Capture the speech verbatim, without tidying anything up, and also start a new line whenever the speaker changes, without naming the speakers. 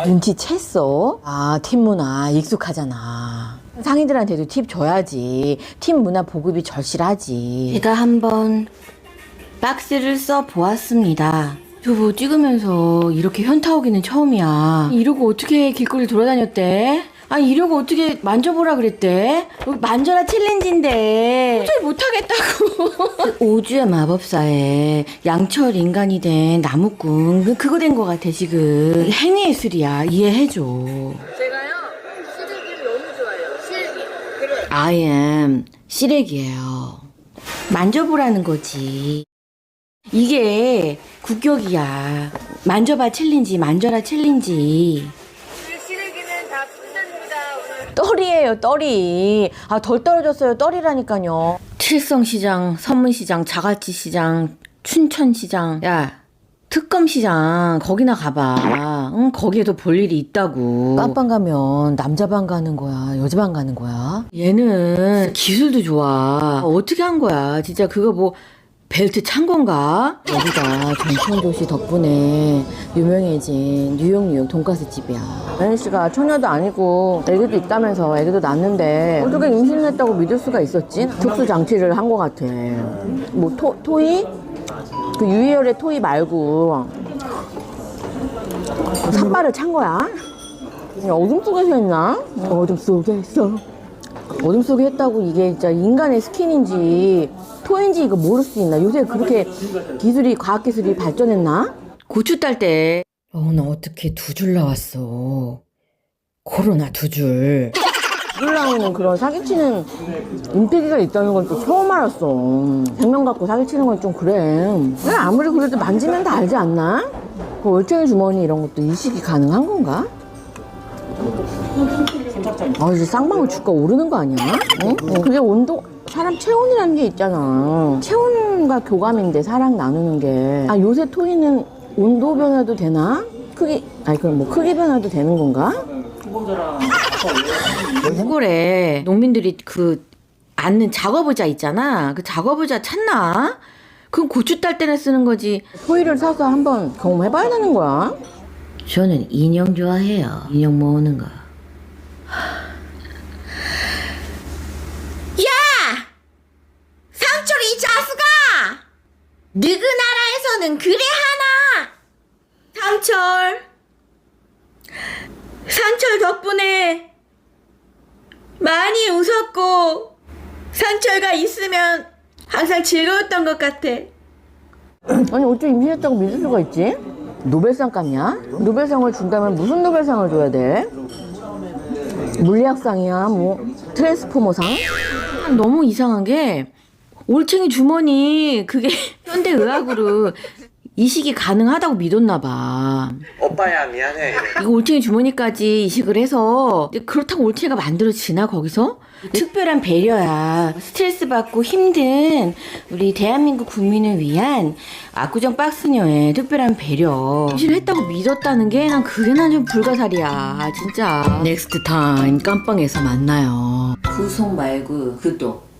눈치챘어? 아, 팀 문화 익숙하잖아. 상인들한테도 팁 줘야지. 팀 문화 보급이 절실하지.
제가 한번 박스를 써 보았습니다. 저뭐 찍으면서 이렇게 현타 오기는 처음이야. 이러고 어떻게 길거리 돌아다녔대? 아, 이러고 어떻게 만져보라 그랬대? 만져라 챌린지인데 도저히 못하겠다고. 오주의 마법사에 양철 인간이 된 나무꾼 그- 그거 된 거 같아 지금. 행위예술이야. 이해해줘.
제가요 시래기를 너무 좋아해요. 시래기. 그래.
I am 시래기예요. 만져보라는 거지. 이게 국격이야. 만져봐 챌린지, 만져라 챌린지.
우리 시래기는 다 풍선입니다. 오늘.
떨이에요, 떨이. 아, 덜 떨어졌어요, 떨이라니까요.
칠성시장, 서문시장, 자갈치시장, 춘천시장. 야, 특검시장 거기나 가봐. 응, 거기에도 볼 일이 있다고.
깜빵 가면 남자방 가는 거야, 여자방 가는 거야?
얘는 기술도 좋아. 어떻게 한 거야? 진짜 그거 뭐 벨트 찬 건가?
여기가 전통도시 덕분에 유명해진 뉴욕 뉴욕 돈가스 집이야. 연희 씨가 처녀도 아니고 애기도 있다면서 애기도 낳았는데 어떻게 임신을 했다고 믿을 수가 있었지? 특수 장치를 한 것 같아. 뭐 토, 토이? 그 유희열의 토이 말고 산발을 찬 거야? 그냥 어둠 속에서 했나? 어둠 속에서 어둠 속에 했다고 이게 진짜 인간의 스킨인지 토인지 이거 모를 수 있나? 요새 그렇게 기술이 과학기술이 발전했나?
고추 딸 때. 어, 나 어떻게 두 줄 나왔어. 코로나 두 줄.
물 나오는 그런 사기치는 임팩트가 있다는 건 또 처음 알았어. 생명 갖고 사기치는 건 좀 그래. 근데 아무리 그래도 만지면 다 알지 않나? 그 올챙이 주머니 이런 것도 이식이 가능한 건가? 아, 이제 쌍방울 주가 오르는 거 아니야? 어? 그게 온도, 사람 체온이라는 게 있잖아. 체온과 교감인데 사랑 나누는 게. 아, 요새 토이는 온도 변화도 되나? 크기, 아니, 그럼 뭐 크기 변화도 되는 건가?
시골에 농민들이 그 앉는 작업의자 있잖아. 그 작업의자 찾나? 그건 고추 딸 때나 쓰는 거지.
토이를 사서 한번 경험해봐야 되는 거야.
저는 인형 좋아해요. 인형 모으는 거. 야! 상철이 이 자수가! 너그 나라에서는 그래 하나! 상철! 상철 덕분에 많이 웃었고 상철과 있으면 항상 즐거웠던 것 같아.
아니, 어째 임신했다고 믿을 수가 있지? 노벨상감이야? 노벨상을 준다면 무슨 노벨상을 줘야 돼? 물리학상이야, 뭐 트랜스포머상?
너무 이상한 게 올챙이 주머니 그게 현대의학으로 이식이 가능하다고 믿었나 봐.
오빠야 미안해.
이거 올챙이 주머니까지 이식을 해서 그렇다고 올챙이가 만들어지나 거기서? 특별한 배려야. 스트레스 받고 힘든 우리 대한민국 국민을 위한 압구정 박스녀의 특별한 배려. 임신을 했다고 믿었다는 게 난 그게 난 좀 불가사리야 진짜. 넥스트 타임 깜빵에서 만나요. 구속 말고 구독.